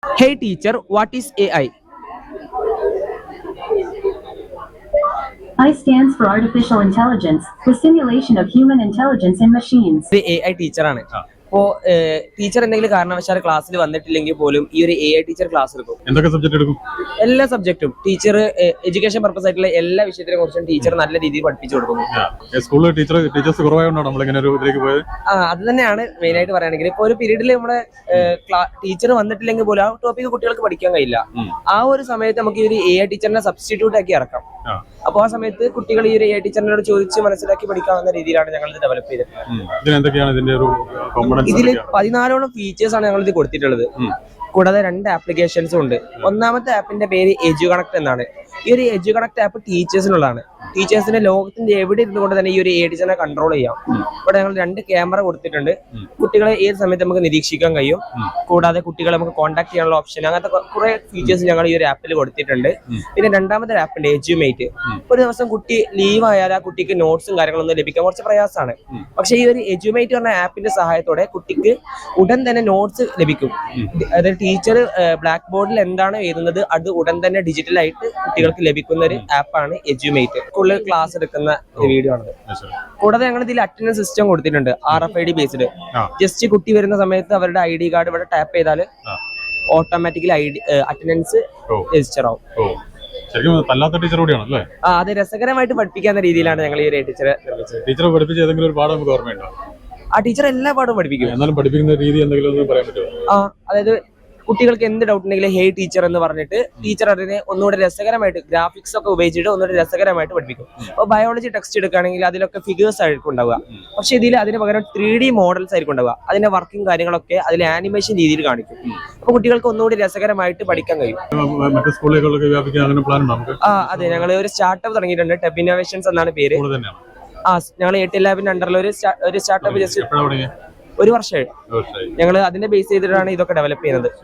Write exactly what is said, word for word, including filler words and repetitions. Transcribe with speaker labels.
Speaker 1: Hey teacher, what is A I?
Speaker 2: I stands for Artificial Intelligence, the simulation of human intelligence in machines.
Speaker 1: ഒരു A I ടീച്ചറാണ്. അപ്പോൾ teacher എന്തെങ്കിലും കാരണവശാൽ ക്ലാസ്സിൽ വന്നിട്ടില്ലെങ്കിൽ പോലും ഈ ഒരു എ ഐ ടീച്ചർ ക്ലാസ് എടുക്കും.
Speaker 3: എന്തൊക്കെ സബ്ജക്ട് എടുക്കും?
Speaker 1: എല്ലാ സബ്ജക്റ്റും ടീച്ചർ എഡ്യൂക്കേഷൻ പർപ്പസ് ആയിട്ടുള്ള എല്ലാ വിഷയത്തിനെ കുറിച്ചും ടീച്ചർ നല്ല രീതിയിൽ പഠിപ്പിച്ചു കൊടുക്കുന്നു.
Speaker 3: സ്കൂളിൽ ടീച്ചർ ടീച്ചേഴ്സ് കുറവായതുകൊണ്ടാണ് നമ്മളിങ്ങനെ ഒരു ഇതിലേക്ക് പോയത്.
Speaker 1: ആ അത് തന്നെയാണ് മെയിൻ ആയിട്ട് പറയുകയാണെങ്കിൽ ഇപ്പോൾ ഒരു പീരീഡിൽ നമ്മുടെ ടീച്ചർ വന്നിട്ടില്ലെങ്കിൽ പോലും ആ ടോപ്പിക്ക് കുട്ടികൾക്ക് പഠിക്കാൻ കഴിയില്ല. ആ ഒരു സമയത്ത് നമുക്ക് ഈ ഒരു എ ഐ ടീച്ചറിനെ സബ്സ്റ്റിറ്റ്യൂട്ട് ആക്കി ഇറക്കാം. അപ്പോൾ ആ സമയത്ത് കുട്ടികൾ ഈ ഒരു എ ഐ ടീച്ചറിനോട് ചോദിച്ച് മനസ്സിലാക്കി പഠിക്കാവുന്ന രീതിയിലാണ് ഞങ്ങൾ ഇത് ഡെവലപ്പ് ചെയ്തത്. ഇതിൽ പതിനാലോളം ഫീച്ചേഴ്സ് ആണ് ഞങ്ങൾ ഇത് കൊടുത്തിട്ടുള്ളത്. കൂടാതെ രണ്ട് ആപ്ലിക്കേഷൻസും ഉണ്ട്. ഒന്നാമത്തെ ആപ്പിന്റെ പേര് എജു കണക്ട് എന്നാണ്. ഈ ഒരു എജു കണക്ട് ആപ്പ് ടീച്ചേഴ്സിനുള്ളതാണ്. ടീച്ചേഴ്സിന്റെ ലോകത്തിന്റെ എവിടെ ഇരുന്നുകൊണ്ട് തന്നെ ഈ ഒരു എ ടീച്ചറിനെ കൺട്രോൾ ചെയ്യാം. ഇവിടെ ഞങ്ങൾ രണ്ട് ക്യാമറ കൊടുത്തിട്ടുണ്ട്. കുട്ടികളെ ഏത് സമയത്ത് നമുക്ക് നിരീക്ഷിക്കാൻ കഴിയും. കൂടാതെ കുട്ടികളെ നമുക്ക് കോൺടാക്ട് ചെയ്യാനുള്ള ഓപ്ഷൻ, അങ്ങനത്തെ കുറെ ഫീച്ചേഴ്സ് ഞങ്ങൾ ഈ ഒരു ആപ്പിൽ കൊടുത്തിട്ടുണ്ട്. പിന്നെ രണ്ടാമത്തെ ആപ്പുണ്ട് എജ്യൂമേറ്റ്. ഒരു ദിവസം കുട്ടി ലീവ് ആയാൽ ആ കുട്ടിക്ക് നോട്ട്സും കാര്യങ്ങളൊന്നും ലഭിക്കാൻ കുറച്ച് പ്രയാസമാണ്. പക്ഷേ ഈ ഒരു എജ്യൂമേറ്റ് പറഞ്ഞ ആപ്പിന്റെ സഹായത്തോടെ കുട്ടിക്ക് ഉടൻ തന്നെ നോട്ട്സ് ലഭിക്കും. അതായത് ടീച്ചർ ബ്ലാക്ക് ബോർഡിൽ എന്താണ് എഴുതുന്നത് അത് ഉടൻ തന്നെ ഡിജിറ്റലായിട്ട് കുട്ടികൾക്ക് ലഭിക്കുന്ന ഒരു ആപ്പാണ് എജ്യൂമേറ്റ്. സ്കൂളിൽ ക്ലാസ് എടുക്കുന്ന വീഡിയോ ആണത്. കൂടാതെ ഞങ്ങൾ ഇതിൽ അറ്റൻഡൻസ് സിസ്റ്റം കൊടുത്തിട്ടുണ്ട്, R F I D based. Just കുട്ടി വരുന്ന സമയത്ത് അവരുടെ ഐ ഡി കാർഡ് ഇവിടെ ടാപ്പ് ചെയ്താൽ automatically I D attendance register ആവും. ആ അത് രസകരമായിട്ട് പഠിപ്പിക്കാവുന്ന രീതിയിലാണ് ഞങ്ങൾ ഈ ഒരു ടീച്ചറെ
Speaker 3: ടീച്ചറെ പഠിപ്പിച്ച ഏതെങ്കിലും ഒരു പാഠം നമുക്ക് ഓർമ്മയുണ്ടോ?
Speaker 1: ആ ടീച്ചർ എല്ലാ പാഠവും പഠിപ്പിക്കും.
Speaker 3: എന്നാലും പഠിപ്പിക്കുന്ന രീതി എന്തെങ്കിലും പറയാൻ പറ്റുമോ?
Speaker 1: ആ അതായത് കുട്ടികൾക്ക് എന്ത് ഡൗട്ട് ഉണ്ടെങ്കിലും ഹേ ടീച്ചർ എന്ന് പറഞ്ഞിട്ട് ടീച്ചർ അതിനെ ഒന്നുകൂടെ രസകരമായിട്ട് ഗ്രാഫിക്സ് ഒക്കെ ഉപയോഗിച്ചിട്ട് ഒന്നുകൂടെ രസകരമായിട്ട് പഠിപ്പിക്കും. അപ്പോൾ ബയോളജി ടെക്സ്റ്റ് എടുക്കുകയാണെങ്കിൽ അതിലൊക്കെ ഫിഗേഴ്സ് ആയിരിക്കും ഉണ്ടാവുക. പക്ഷെ ഇതിൽ അതിന് പകരം ത്രീ ഡി മോഡൽസ് ആയിരിക്കും ഉണ്ടാവുക. അതിന്റെ വർക്കിംഗ് കാര്യങ്ങളൊക്കെ അതിൽ ആനിമേഷൻ രീതിയിൽ കാണിക്കും. അപ്പോൾ കുട്ടികൾക്ക് ഒന്നുകൂടി രസകരമായിട്ട് പഠിക്കാൻ കഴിയും. ആ അതെ, ഞങ്ങൾ ഒരു സ്റ്റാർട്ടപ്പ് തുടങ്ങിയിട്ടുണ്ട്. ടെബ് ഇന്നോവേഷൻസ് എന്നാണ് പേര്. ആ ഞങ്ങൾ എ ടി ലാബിന്റെ അണ്ടറിൽ ഒരു ഒരു സ്റ്റാർട്ടപ്പ് ജസ്റ്റ് ഒരു വർഷമായി ഞങ്ങൾ അതിന്റെ ബേസ് ചെയ്തിട്ടാണ് ഇതൊക്കെ ഡെവലപ്പ് ചെയ്യുന്നത്.